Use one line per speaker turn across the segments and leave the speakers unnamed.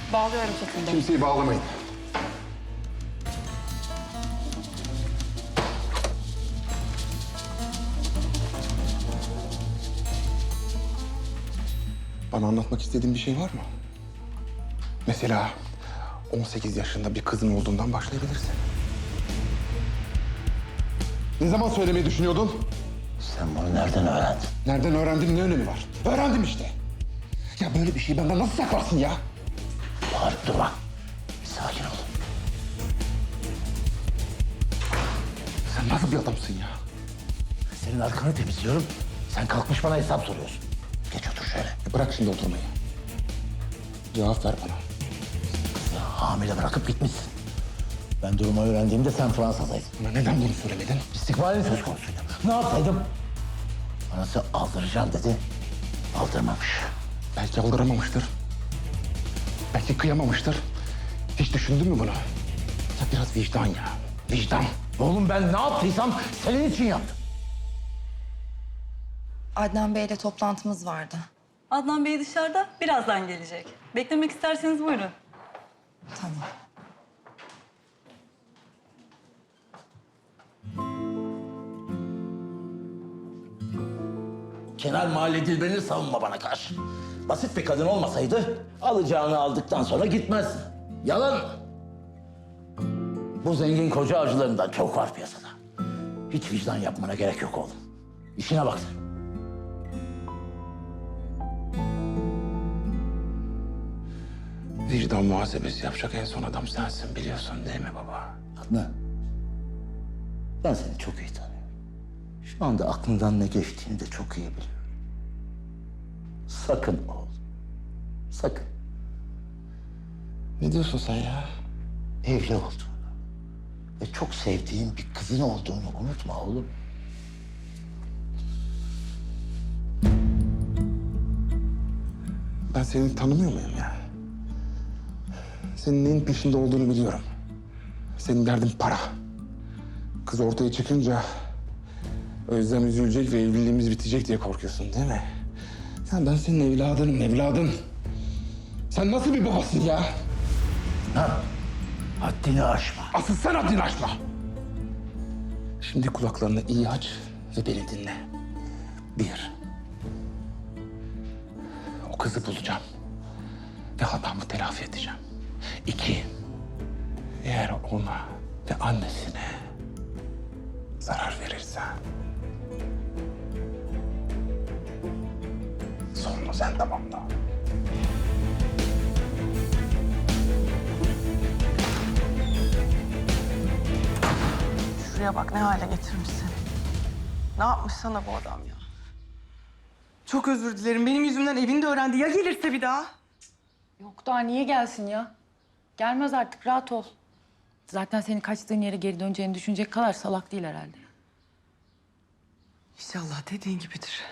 Bağlıyorum Çetin Bey.
Kimseyi bağlamayın. Bana anlatmak istediğin bir şey var mı? Mesela 18 yaşında bir kızın olduğundan başlayabilirsin. Ne zaman söylemeyi düşünüyordun?
Sen bunu nereden öğrendin?
Nereden öğrendim, ne önemi var? Öğrendim işte. Ya böyle bir şeyi benden nasıl saklarsın ya?
Bağırıp durma. Bir sakin ol.
Sen nasıl bir adamsın ya?
Senin arkanı temizliyorum. Sen kalkmış bana hesap soruyorsun. Geç otur şöyle.
Bırak şimdi oturmayı. Cevap ver bana.
Kızı hamile bırakıp gitmişsin. Ben durumu öğrendiğimde sen Fransa'daydın.
Bana neden bunu söylemedin?
İstikbalin söz konusuydu. Ne yapsaydım? Anası aldıracağım dedi. Aldırmamış.
Belki aldıramamıştır. Belki kıyamamıştır. Hiç düşündün mü bunu? Ya biraz vicdan ya. Vicdan.
Oğlum ben ne yaptıysam senin için yaptım.
Adnan Bey'le toplantımız vardı.
Adnan Bey dışarıda, birazdan gelecek. Beklemek isterseniz buyurun.
Tamam.
Kenar Mahalle Dilber'ini savunma bana karşı. Basit bir kadın olmasaydı alacağını aldıktan sonra gitmez. Yalan. Bu zengin koca avcılarından çok var piyasada. Hiç vicdan yapmana gerek yok oğlum. İşine bak sen.
Vicdan muhasebesi yapacak en son adam sensin biliyorsun değil mi baba?
Adnan, ben seni çok iyi tanıyorum. Şu anda aklından ne geçtiğini de çok iyi biliyorum. Sakın oğlum, sakın.
Ne diyorsun sen ya?
Evli olduğunu ve çok sevdiğin bir kızın olduğunu unutma oğlum.
Ben seni tanımıyor muyum ya? Senin neyin peşinde olduğunu biliyorum. Senin derdin para. Kız ortaya çıkınca Özlem üzülecek ve evliliğimiz bitecek diye korkuyorsun değil mi? Ya ben senin evladınım, evladın. Sen nasıl bir babasın ya?
Ha? Haddini aşma.
Asıl sen haddini aşma. Şimdi kulaklarını iyi aç ve beni dinle. Bir, o kızı bulacağım ve hatamı telafi edeceğim. İki, eğer ona ve annesine zarar verirsen sonunu sen tamamla.
Şuraya bak ne hale getirmiş seni. Ne yapmış sana bu adam ya? Çok özür dilerim. Benim yüzümden evini de öğrendi. Ya gelirse bir daha?
Yok daha niye gelsin ya? Gelmez artık, rahat ol. Zaten senin kaçtığın yere geri döneceğini düşünecek kadar salak değil herhalde.
İnşallah dediğin gibidir.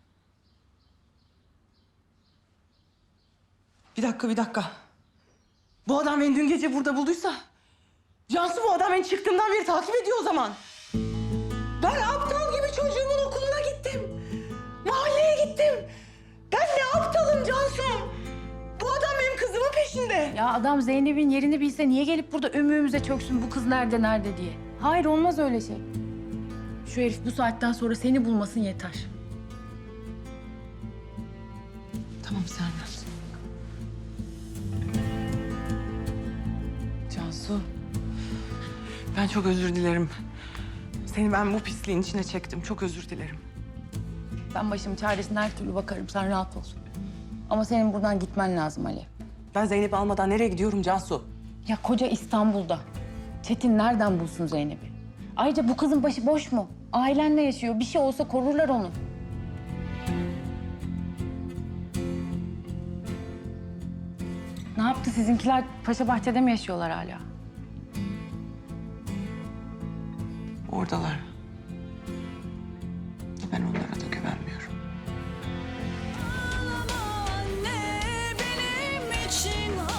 Bir dakika. Bu adam beni dün gece burada bulduysa... Cansu bu adam beni çıktığımdan beri takip ediyor o zaman. Ben aptal gibi çocuğumun okuluna gittim. Mahalleye gittim. Ben ne aptalım Cansu. Bu adam benim kızımın peşinde.
Ya adam Zeynep'in yerini bilse niye gelip burada ömrümüze çöksün bu kız nerede diye. Hayır olmaz öyle şey. Şu herif bu saatten sonra seni bulmasın yeter.
Tamam Sernar. Cansu. Ben çok özür dilerim. Seni ben bu pisliğin içine çektim. Çok özür dilerim.
Ben başımın çaresine her türlü bakarım, sen rahat ol. Ama senin buradan gitmen lazım Ali.
Ben Zeynep'i almadan nereye gidiyorum Cansu?
Ya koca İstanbul'da. Çetin nereden bulsun Zeynep'i? Ayrıca bu kızın başı boş mu? Ailenle yaşıyor. Bir şey olsa korurlar onu. Ne yaptı sizinkiler? Paşa Bahçe'de mi yaşıyorlar hala?
Oradalar. Ben onlara da güvenmiyorum.
Anne benim için